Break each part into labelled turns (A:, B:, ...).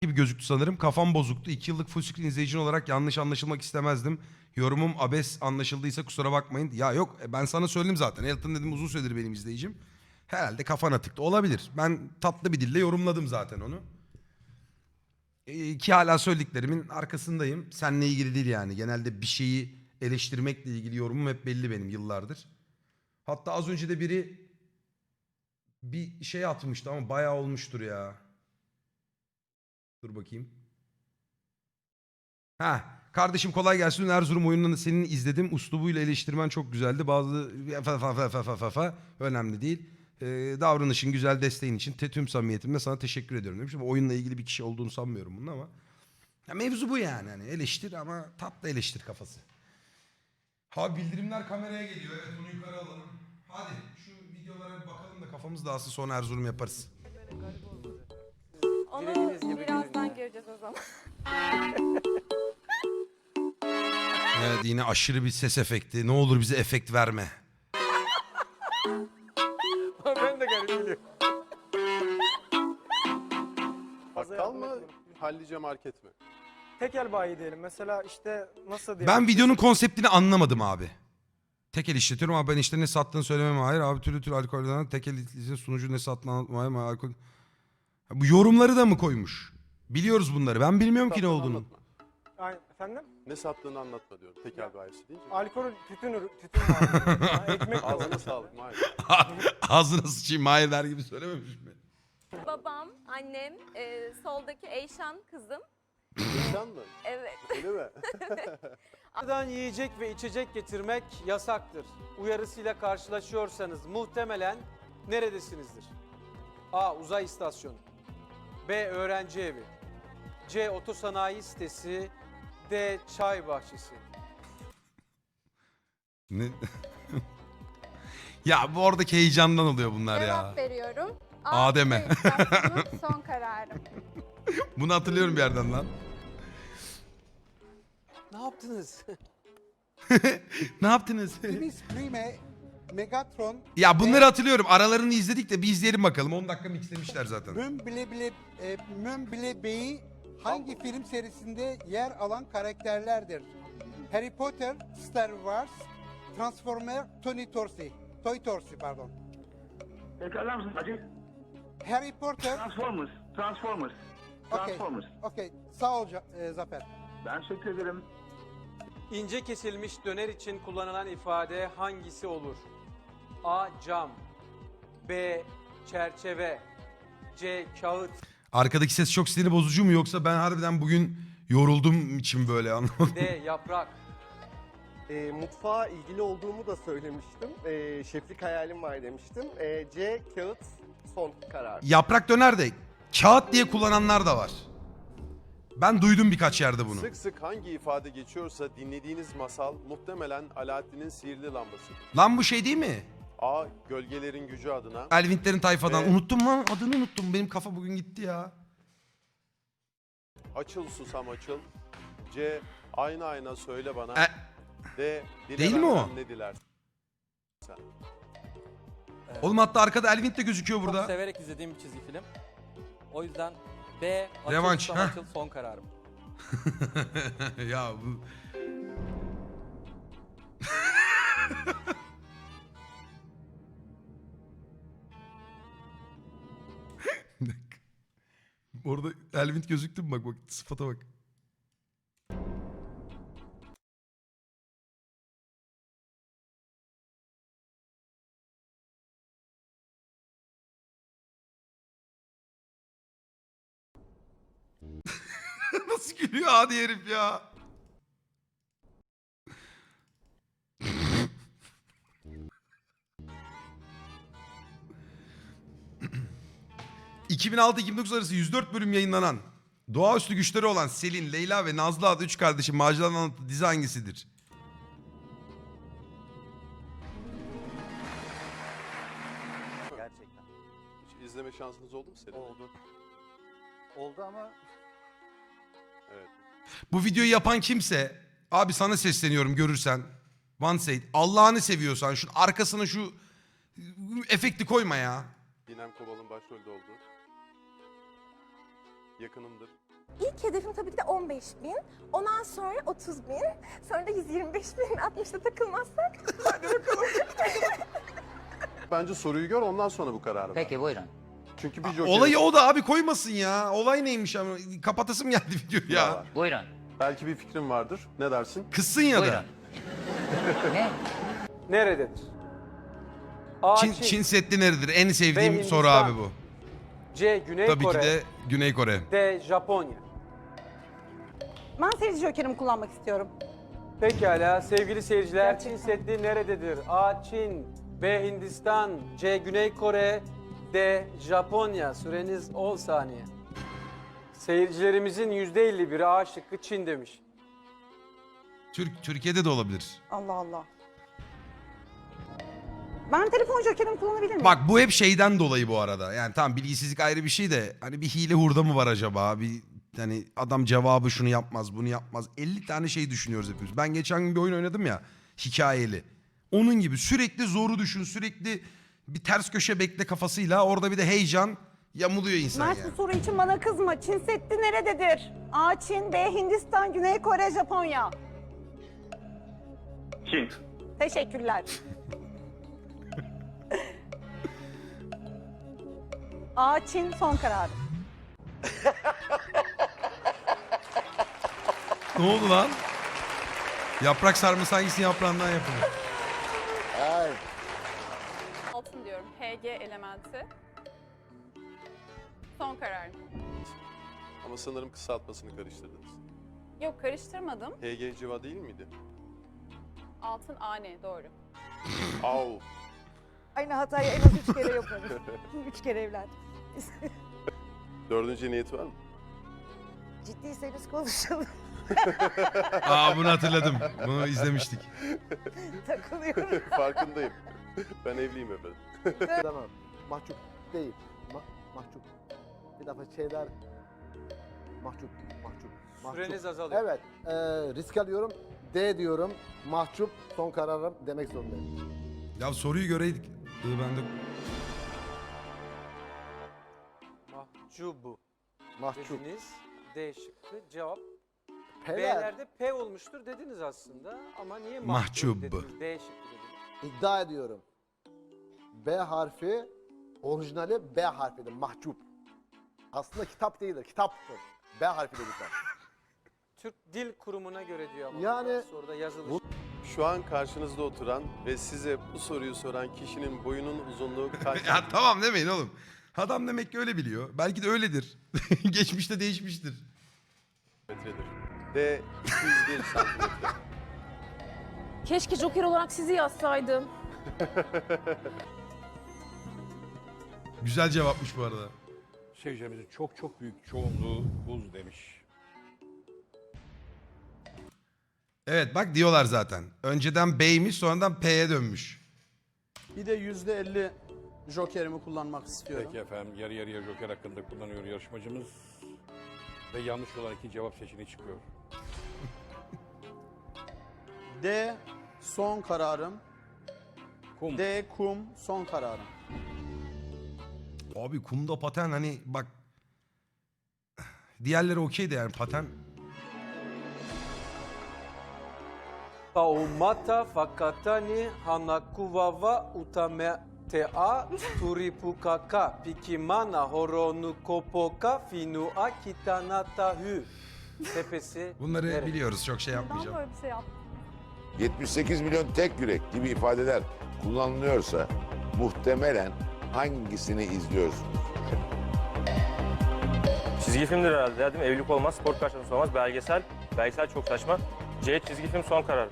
A: gibi gözüktü sanırım. Kafam bozuktu. 2 yıllık full screen izleyicin olarak yanlış anlaşılmak istemezdim. Yorumum abes anlaşıldıysa kusura bakmayın. Ya yok ben sana söyledim zaten. Elton dedim uzun süredir benim izleyicim. Herhalde kafana tıktı. Olabilir. Ben tatlı bir dille yorumladım zaten onu. Ki hala söylediklerimin arkasındayım. Seninle ilgili değil yani. Genelde bir şeyi eleştirmekle ilgili yorumum hep belli benim yıllardır. Hatta az önce de biri bir şey atmıştı ama bayağı olmuştur ya. Dur bakayım. Ha, kardeşim kolay gelsin. Erzurum oyununu senin izledim. Uslubuyla eleştirmen çok güzeldi. Bazı önemli değil. Davranışın güzel, desteğin için tüm samimiyetimle sana teşekkür ediyorum demiş. Ama oyunla ilgili bir kişi olduğunu sanmıyorum bunun ama. Ya mevzu bu yani. Hani eleştir ama tatlı eleştir kafası. Ha bildirimler kameraya geliyor. Evet onu yukarı alalım. Hadi şu videolara bir bakalım da kafamız dağılsın sonra Erzurum yaparız.
B: Onu birazdan göreceğiz o zaman.
A: Evet yine aşırı bir ses efekti. Ne olur bize efekt verme.
C: Ben de garip geliyorum.
D: Bakkal mı, hallice market mi?
C: Tekel bayi diyelim. Mesela işte nasıl diyelim?
A: Ben videonun konseptini anlamadım abi. Tekel işletiyorum ama ben işte ne sattığını söylemem hayır. Abi türlü alkolden tekel işletici sunucu ne sattığını anlatmayayım. Alkol... Bu yorumları da mı koymuş? Biliyoruz bunları. Ben bilmiyorum ki ne
D: Sattığını
A: olduğunu.
D: anlatma.
C: Ay, efendim?
D: Ne sattığını anlatma diyorum. Tekel bayisi deyince.
C: Alkol, tütün var. Ekmek de
D: Ağzına
C: var.
D: sağlık Mahir.
A: Ağzına sıçayım hayır der gibi söylememiş mi?
B: Babam, annem, soldaki Eyşan kızım.
D: İnsan mı?
B: Evet.
D: Öyle mi?
E: Dışarıdan yiyecek ve içecek getirmek yasaktır. Uyarısıyla karşılaşıyorsanız muhtemelen neredesinizdir? A. Uzay istasyonu. B. Öğrenci evi. C. Otosanayi sitesi. D. Çay bahçesi.
A: Ne? Ya bu oradaki heyecandan oluyor bunlar ya.
B: Cevap veriyorum.
A: Adem'e.
B: İstasyonu son kararım.
A: Bunu hatırlıyorum bir yerden lan.
E: Ne yaptınız?
A: Ne yaptınız?
F: Optimus Prime, Megatron,
A: Ya bunları hatırlıyorum. Aralarını izledik de bir izleyelim bakalım. 10 dakika mixlemişler zaten.
F: Mümble Bey'i hangi film serisinde yer alan karakterlerdir? Harry Potter, Star Wars, Transformer, Toy Torsi pardon.
G: Tekrarlar mısın Hacı?
F: Harry Potter,
G: Transformers.
F: okey. Sağ ol Zafer.
G: Ben teşekkür ederim.
E: İnce kesilmiş döner için kullanılan ifade hangisi olur? A. Cam. B. Çerçeve. C. Kağıt.
A: Arkadaki ses çok sinir bozucu mu yoksa ben harbiden bugün yoruldum için böyle anlamadım.
E: D. Yaprak.
H: Mutfağa ilgili olduğumu da söylemiştim. Şeflik hayalim var demiştim. C. Kağıt son karar.
A: Yaprak döner de kağıt diye kullananlar da var. Ben duydum birkaç yerde bunu.
D: Sık sık hangi ifade geçiyorsa dinlediğiniz masal muhtemelen Alaaddin'in sihirli lambasıdır.
A: Lan bu şey değil mi?
D: A. Gölgelerin gücü adına.
A: Elvintlerin tayfadan.
D: Evet.
A: Unuttum lan adını unuttum. Benim kafa bugün gitti ya.
D: Açıl susam açıl. C. Ayna ayna söyle bana.
A: E,
D: D. Dile
A: Değil mi
D: benden
A: o?
D: ne dilersin?
A: oğlum hatta arkada Elvint de gözüküyor
I: Çok
A: burada.
I: severek izlediğim bir çizgi film. O yüzden B. Açıl
A: Revanş,
I: Susam
A: ha?
I: Açıl son kararım.
A: Ya bu... Bir dakika. Orada Elvint gözüktü mü? Bak sıfata bak. Nasıl gülüyor hadi herif ya. ...2006-2009 arası 104 bölüm yayınlanan... ...doğaüstü güçleri olan Selin, Leyla ve Nazlı adlı 3 kardeşin maceralarını anlattığı dizi hangisidir?
H: Gerçekten.
D: Hiç izleme şansınız oldu mu senin?
H: Oldu. Oldu ama
D: Evet.
A: Bu videoyu yapan kimse... ...abi sana sesleniyorum görürsen... ...One Said, Allah'ını seviyorsan... ...şu arkasına şu... ...efekti koyma ya.
D: Dinem Kobal'ın başrolde olduğu. Yakınımdır.
J: İlk hedefim tabii ki de 15.000. Ondan sonra 30.000. Sonra da 125.000. 60'ta takılmazsak.
D: Bence soruyu gör ondan sonra bu kararı ver.
I: Peki buyurun.
D: Çünkü bir joker
A: Olayı o da abi koymasın ya. Olay neymiş ama kapatasım geldi videoyu ya.
D: var.
I: Buyurun.
D: Belki bir fikrin vardır. Ne dersin?
A: Kızsın ya da.
I: Buyurun. Ne?
E: Nerededir? A.
A: Çin,
E: Çin,
A: Çin Seddi neredir? En sevdiğim
E: Hindistan.
A: soru abi bu.
E: C. Güney
A: Tabii
E: Kore,
A: ki de Güney Kore.
E: D. Japonya.
J: Ben seyirci jokerimi kullanmak istiyorum.
E: Pekala sevgili seyirciler,
J: Gerçekten.
E: Çin Seddi nerededir? A. Çin, B. Hindistan, C. Güney Kore, D. Japonya. Süreniz 10 saniye. Seyircilerimizin %51'i A şıkkı Çin demiş.
A: Türkiye'de de olabilir.
J: Allah Allah. Ben telefon jokerimi kullanabilir miyim?
A: Bak bu hep şeyden dolayı bu arada. Yani tamam bilgisizlik ayrı bir şey de hani bir hile hurda mı var acaba? Bir hani adam cevabı şunu yapmaz, bunu yapmaz. 50 tane şey düşünüyoruz hepimiz. Ben geçen gün bir oyun oynadım ya, hikayeli. Onun gibi sürekli zoru düşün, sürekli bir ters köşe bekle kafasıyla orada bir de heyecan yamuluyor insan
J: Mert
A: yani.
J: bu soru için bana kızma. Çin Seddi nerededir? A. Çin, B. Hindistan, Güney Kore, Japonya.
G: Çin.
J: Teşekkürler. A. Çin son kararım.
A: Ne oldu lan? Yaprak sarması hangisinin yaprağından yapılır?
B: Altın diyorum. HG elementi. Son kararım.
D: Ama sanırım kısaltmasını karıştırdınız.
B: Yok karıştırmadım.
D: HG civa değil miydi?
B: Altın AN doğru.
D: Au.
J: Aynı hatayı en az 3 kere yaparım. 3 kere evlendim.
D: Dördüncü niyeti var mı?
J: Ciddiyseniz konuşalım.
A: Aa bunu hatırladım. Bunu izlemiştik.
J: Takılıyorum.
D: Farkındayım. Ben evliyim efendim.
H: Tamam. Mahcup değil. Mahcup. Bir defa şeyler... Mahcup.
E: Süreniz azalıyor.
H: Evet. Risk alıyorum. D diyorum. Mahcup son kararım demek zorundayım.
A: Ya soruyu göreydik. Ben de...
E: Mahcubu
H: Mahcup.
E: dediniz. D şıkkı cevap.
H: P'ler
E: B'lerde P olmuştur dediniz aslında ama niye
A: Mahcup.
E: mahcup dediniz? D şıkkı dediniz.
H: iddia ediyorum. B harfi orijinali B harfidir. Mahcup. Aslında kitap değildir. Kitaptır. B harfidir lütfen.
E: Türk Dil Kurumu'na göre diyor ama.
H: Yani-
E: Soruda yazılı.
D: Şu an karşınızda oturan ve size bu soruyu soran kişinin boyunun uzunluğu kaç
A: Ya tamam demeyin oğlum. Adam demek ki öyle biliyor. Belki de öyledir. Geçmişte değişmiştir.
D: metredir? D 201 santimetre.
J: Keşke joker olarak sizi yazsaydım.
A: Güzel cevapmış bu arada.
K: Seyircilerimizin çok büyük çoğunluğu buz demiş.
A: Evet bak diyorlar zaten. Önceden B'ymiş sonradan P'ye dönmüş.
C: Bir de %50 jokerimi kullanmak istiyorum.
K: Peki efendim yarı yarıya joker hakkında kullanıyor yarışmacımız. Ve yanlış olan iki cevap seçeneği çıkıyor.
C: D son kararım.
K: Kum.
C: D kum son kararım.
A: Abi kumda paten hani bak. Diğerleri okeydi yani paten.
E: Taumata fakatani hanakuwawa utametea turipukaka pikimana horonu kopoka finua kitanatahü. Tepesi
A: Bunları
E: nerede?
A: biliyoruz çok şey yapmayacağım.
B: Böyle bir şey yaptım.
L: 78 milyon tek yürek gibi ifadeler kullanılıyorsa muhtemelen hangisini izliyorsunuz?
I: Çizgi filmdir herhalde ya, değil mi? Evlilik olmaz, spor karşılaması olmaz, belgesel. Belgesel çok saçma. C çizgi film son karar.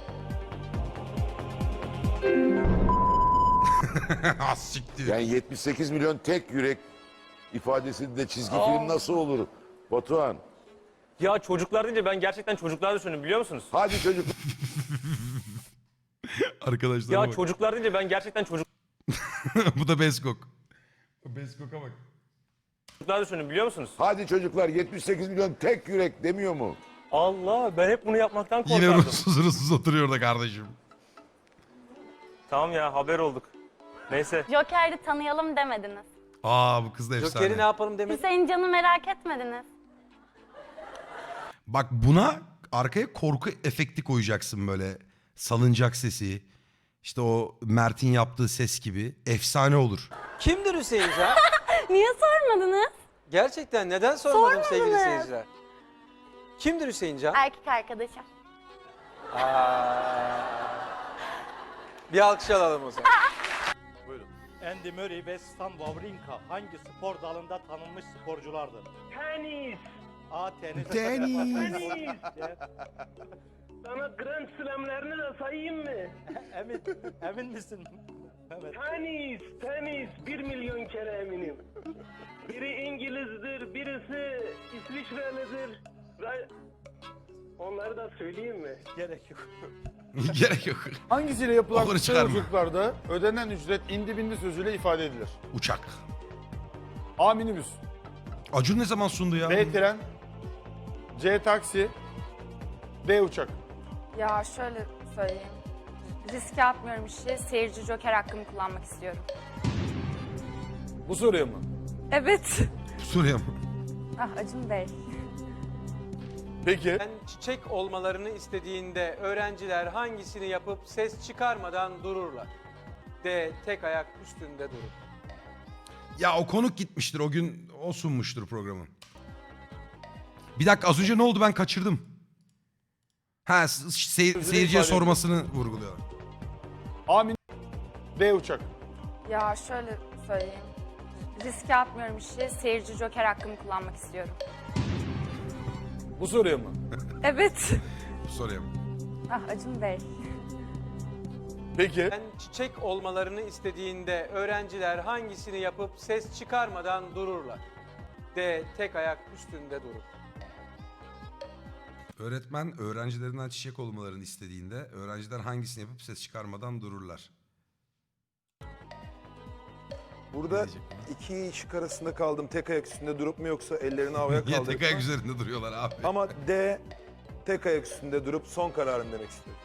A: Az siktir.
L: Yani 78 milyon tek yürek ifadesinde çizgi
I: Aa.
L: film nasıl olur? Batuhan.
I: Ya çocuklar deyince ben gerçekten çocuklar düşündüm biliyor musunuz?
L: Hadi çocuk.
A: Arkadaşlar
I: Ya
A: bak.
I: çocuklar deyince ben gerçekten
A: Bu da Beskok. Beskok'a bak.
I: çocuklar düşündüm biliyor musunuz?
L: Hadi çocuklar 78 milyon tek yürek demiyor mu?
I: Allah ben hep bunu yapmaktan
A: Yine
I: korkardım.
A: ruhsuz oturuyor orada kardeşim.
I: Tamam ya haber olduk. Neyse.
M: Joker'i tanıyalım demediniz.
A: Aa bu kız da efsane.
E: Joker'i ne yapalım demek?
M: Hüseyin Can'ı merak etmediniz.
A: Bak buna arkaya korku efekti koyacaksın böyle. Salıncak sesi. İşte o Mert'in yaptığı ses gibi. Efsane olur.
E: Kimdir Hüseyin Can?
J: Niye sormadınız?
E: Gerçekten neden sormadım sevgili
J: Sormadınız.
E: seyirciler? Kimdir Hüseyin Can?
J: Erkek arkadaşım.
E: Bir alkış alalım o zaman.
D: Buyurun.
I: Andy Murray ve Stan Wawrinka hangi spor dalında tanınmış sporculardır?
G: Tenis.
I: A. Tenis.
A: Tenis.
G: Sana Grand Slam'lerini de sayayım mı?
I: Emin misin? Evet.
G: Tenis. 1 milyon kere eminim. Biri İngilizdir, birisi İsviçrelidir. Onları da söyleyeyim mi?
I: Gerek yok.
A: Gerek yok.
K: Hangisiyle yapılan
A: Olur
K: kısa
A: çıkarma.
K: yolculuklarda ödenen ücret indi bindi sözüyle ifade edilir?
A: Uçak.
K: A. Minibüs.
A: Acun ne zaman sundu ya?
K: B. Tren. C. Taksi. D. Uçak.
J: Ya şöyle söyleyeyim. Riske atmıyorum işi. Seyirci joker hakkımı kullanmak istiyorum.
K: Bu soruya mı?
J: Evet.
A: Soruyor mu?
J: Ah Acun Bey.
K: Peki.
E: Sen çiçek olmalarını istediğinde öğrenciler hangisini yapıp ses çıkarmadan dururlar? D. Tek ayak üstünde durur.
A: Ya o konuk gitmiştir. O gün o sunmuştur programı. Bir dakika az önce ne oldu ben kaçırdım. Ha seyirciye sormasını vurguluyorlar.
K: A. D. Uçak.
J: Ya şöyle söyleyeyim. Riske atmıyorum işi. Seyirci joker hakkımı kullanmak istiyorum.
K: Bu soruya mı?
J: Evet.
A: Soruyor mu?
J: Ah Acun Bey.
K: Peki.
E: Sen çiçek olmalarını istediğinde öğrenciler hangisini yapıp ses çıkarmadan dururlar? D. Tek ayak üstünde durur.
A: Öğretmen öğrencilerinden çiçek olmalarını istediğinde öğrenciler hangisini yapıp ses çıkarmadan dururlar.
M: Burada iki şık arasında kaldım. Tek ayak üstünde durup mu yoksa ellerini havaya
A: Niye
M: kaldırıp
A: tek ayak
M: mı?
A: üzerinde duruyorlar abi?
M: Ama D tek ayak üstünde durup son kararım demek istiyorum.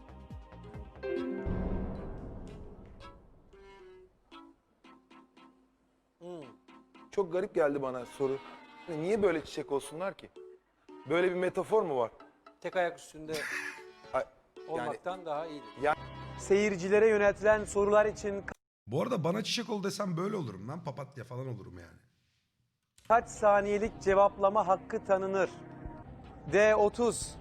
M: Çok garip geldi bana soru. Niye böyle çiçek olsunlar ki? Böyle bir metafor mu var?
E: Tek ayak üstünde
M: Ay,
E: olmaktan daha iyidir.
M: Ya-
E: Seyircilere yöneltilen sorular için
A: Bu arada bana çiçek ol desem böyle olurum lan. Papatya falan olurum yani.
E: kaç saniyelik cevaplama hakkı tanınır? D. 30.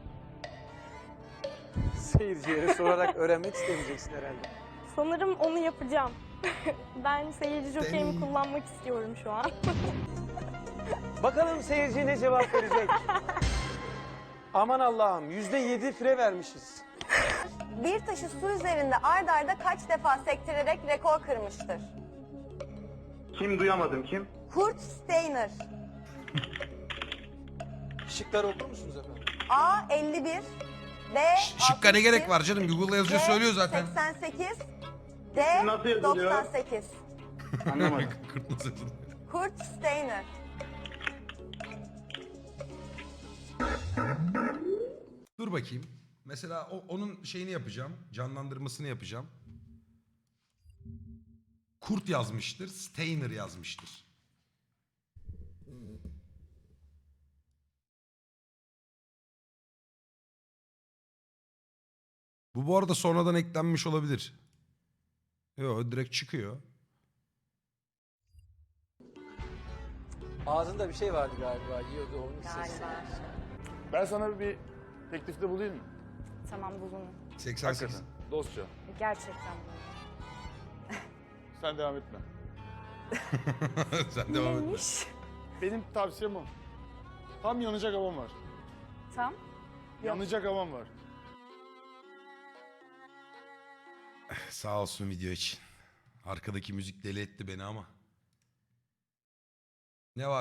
E: Seyircilere sorarak öğrenmek istemeyeceksin herhalde.
J: Sanırım onu yapacağım. Ben seyirci
A: jokerimi
J: kullanmak istiyorum şu an.
E: Bakalım seyirci ne cevap verecek? Aman Allah'ım %7 fire vermişiz.
J: Bir taşı su üzerinde ard arda kaç defa sektirerek rekor kırmıştır?
G: Kim duyamadım kim?
J: Kurt Steiner.
E: Şıkları okur musunuz efendim?
J: A 51, B
A: Şıkka ne gerek var canım? Google'da yazınca
J: C
A: söylüyor zaten.
J: 88, D
G: Nasıl yazılıyor?
J: 98.
G: Anlamadım.
A: Kurt nasıl yazılıyor?
J: Kurt Steiner.
A: Dur bakayım. Mesela onun şeyini yapacağım. Canlandırmasını yapacağım. Kurt yazmıştır. Steiner yazmıştır. Bu arada sonradan eklenmiş olabilir. Yok direkt çıkıyor.
E: Ağzında bir şey vardı galiba, yiyordu onun sesi.
K: Ben sana bir teklifte bulayım mı?
J: Tamam bulunun.
A: 88.
K: Hakikaten. Dostça.
J: Gerçekten.
K: Sen devam etme.
A: Sen devam et.
J: Neymiş?
K: Benim tavsiyem o. Tam yanacak havam var.
J: Tam.
K: Yanacak havam var.
A: Sağ olsun video için. Arkadaki müzik deli etti beni ama. Ne var?